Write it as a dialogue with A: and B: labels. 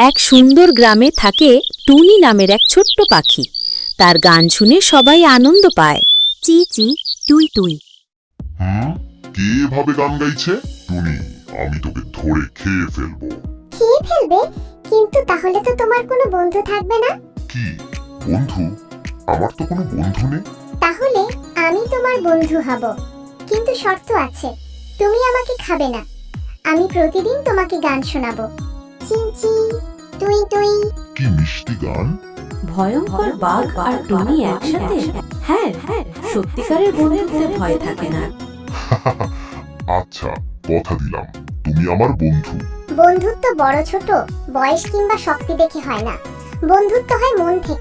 A: এক সুন্দর গ্রামে থাকে টুনি নামের এক ছোট্ট পাখি। তার গান শুনে সবাই আনন্দ পায়। চি চি টুই টুই।
B: কে এভাবে গান গাইছে? টুনি, আমি তোকে ধরে খেয়ে ফেলবো।
C: খেয়ে ফেলবে? কিন্তু তাহলে তো তোমার কোনো বন্ধু থাকবে না।
B: কি বন্ধু? আমার তো কোনো বন্ধু নেই।
C: তাহলে আমি তোমার বন্ধু হব, কিন্তু শর্ত আছে। তুমি আমাকে খাবে না। আমি প্রতিদিন তোমাকে গান শোনাবো। চি চি টুই টুই।
B: কি মিষ্টি গান!
A: ভয়ঙ্কর বাঘ আর টুনি একসাথে? হ্যাঁ, সত্যিকারের বন্ধুত্বে ভয় থাকে না।
B: আচ্ছা, কথা দিলাম, তুমি আমার বন্ধু।
C: বন্ধুত্ব বড় ছোট, বয়স কিংবা শক্তি দেখে হয় না। বন্ধুত্ব হয় মন থেকে।